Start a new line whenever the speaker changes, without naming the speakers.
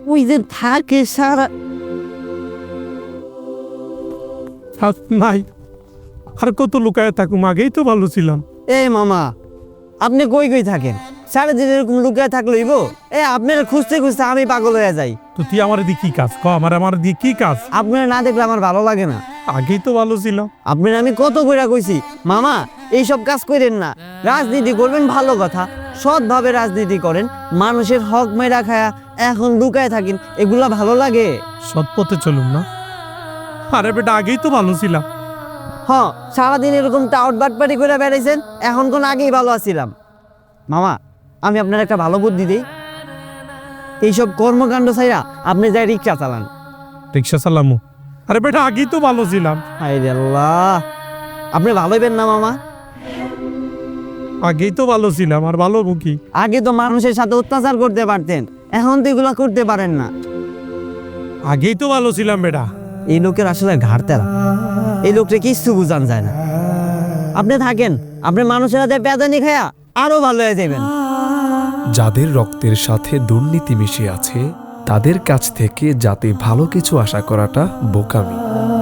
ওই যে থাকে সারা
নাই, আর কত লুকায় থাকুম, আগেই তো ভালো ছিলাম।
এই মামা, আপনি কই কই থাকেন? সারাদিন এরকম লুকায় থাকলইব? আপনারা খুঁজতে খুঁজতে আমি পাগল হয়ে যাই।
তো তুই আমার দিয়ে কি কাজ ক, আমার দিয়ে কি কাজ?
আপনারা না দেখলে আমার ভালো লাগে না।
আগেই তো ভালো ছিলাম।
আপনারা আমি কত কইরা কইছি মামা এইসব কাজ করেন না, রাজনীতি করবেন ভালো কথা, সৎভাবে রাজনীতি করেন, মানুষের হক মেরা খায়া এখন লুকায় থাকেন, এগুলা ভালো লাগে?
সৎ পথে চলুন না। আরে বেটা, আগেই তো ভালো ছিলাম।
সারাদিন এরকম টাউট বাটপাটি করে বেড়াইছেন, এখন কোন আগেই ভালো আছিলাম। মামা, আমি আপনার একটা ভালো বুদ্ধি দিই, এইসব কর্মকাণ্ড ছাইরা আপনি যাই রিক্সা চালান।
রিক্সা চালামু? আরে বেটা, আগেই তো ভালো ছিলাম।
হায়রে আল্লাহ, আপনি ভালো হইবেন না মামা?
আগেই তো ভালো ছিলাম, আর ভালো মুখী।
আগে তো মানুষের সাথে অত্যাচার করতে পারতেন, এখন তো এগুলা করতে পারেন না।
আগেই তো ভালো ছিলাম বেটা।
এই লোকের আসলে ঘাড়তেরা, এই লোকটা কিছু বুঝান যায় না। আপনি থাকেন, আপনি মানুষের হাতে পেদানি খায়া আরো ভালো হয়ে যাবেন।
যাদের রক্তের সাথে দুর্নীতি মিশে আছে তাদের কাছ থেকে যাতে ভালো কিছু আশা করাটা বোকামি।